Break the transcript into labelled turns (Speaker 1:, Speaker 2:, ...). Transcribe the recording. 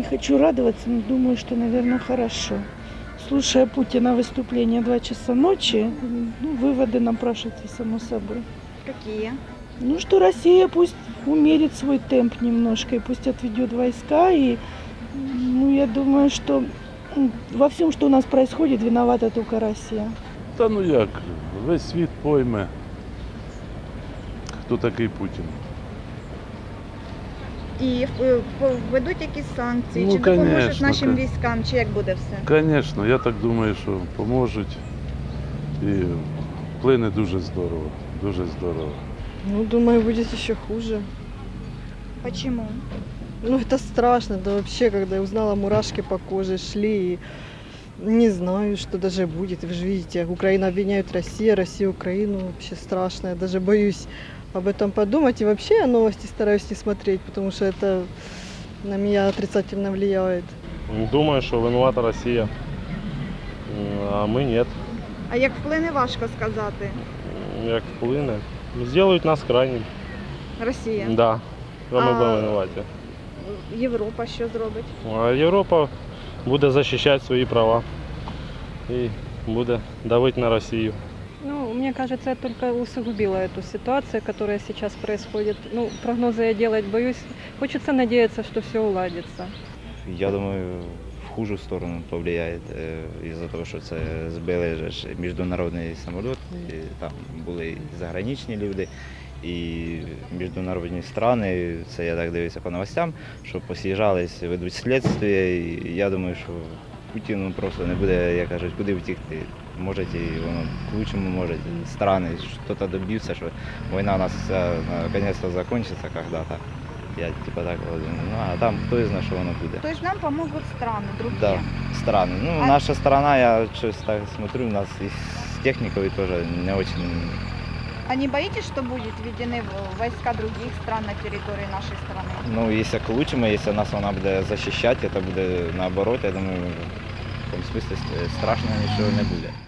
Speaker 1: не хочу радоваться, но думаю, что, наверное, хорошо. Слушая Путина выступление 2 часа ночи, ну, выводы напрашиваются само собой.
Speaker 2: Какие?
Speaker 1: Ну, что Россия пусть умерит свой темп немножко и пусть отведет войска. И, ну, я думаю, что во всем, что у нас происходит, виновата только Россия.
Speaker 3: Та ну як, весь світ пойме, хто такий Путін.
Speaker 2: І введуть якісь санкції,
Speaker 3: Ну,
Speaker 2: чи допоможуть
Speaker 3: конечно,
Speaker 2: нашим військам, чи як буде все?
Speaker 3: Звісно, я так думаю, що поможуть і вплине дуже здорово, дуже здорово.
Speaker 4: Ну, думаю, будет еще хуже.
Speaker 2: Почему?
Speaker 4: Ну, это страшно, да вообще, когда я узнала, мурашки по коже шли, и не знаю, что даже будет. Вы же видите, Украина обвиняет Россию, Россия Украину, вообще страшно. Я даже боюсь об этом подумать, и вообще я новости стараюсь не смотреть, потому что это на меня отрицательно влияет.
Speaker 5: Думаю, що винувата Росія, а ми ні.
Speaker 2: А як вплине, важко сказати.
Speaker 5: Як вплине. Зроблять нас крайнім.
Speaker 2: Росія.
Speaker 5: Да. А ми
Speaker 2: А-
Speaker 5: будемо винуваті.
Speaker 2: Європа що зробить?
Speaker 5: А Європа буде захищати свої права і буде давити на Росію.
Speaker 6: Ну, мне кажется, это только усугубило эту ситуацию, которая сейчас происходит. Ну, прогнозы я делать боюсь. Хочется надеяться, что все уладится.
Speaker 7: Я думаю, в хужу сторону повлияє із-за того, що це збили же ж міжнародний самоліт, і там були і заграничні люди, і міжнародні страни, це я так дивився по новостям, що посіжались, ведуть слідство, і я думаю, що Путіну просто не буде, як кажуть, куди втікти. Може і воно к лучшему, може і страни щось доб'ються, що війна у нас наконец-то закінчиться когда-то. Я типа так вот, ну а там хто знає, що воно буде.
Speaker 2: То есть нам помогут страны, другие.
Speaker 7: Да, страны. Ну,
Speaker 2: А-
Speaker 7: наша страна, я что-то так смотрю, у нас и с техникой тоже не очень.
Speaker 2: А не боитесь, что будет введены войска других стран на территории нашей страны?
Speaker 7: Ну, если к лучшему, если нас вона буде защищать, это буде наоборот, я думаю, в том смысле страшно ничего не буде.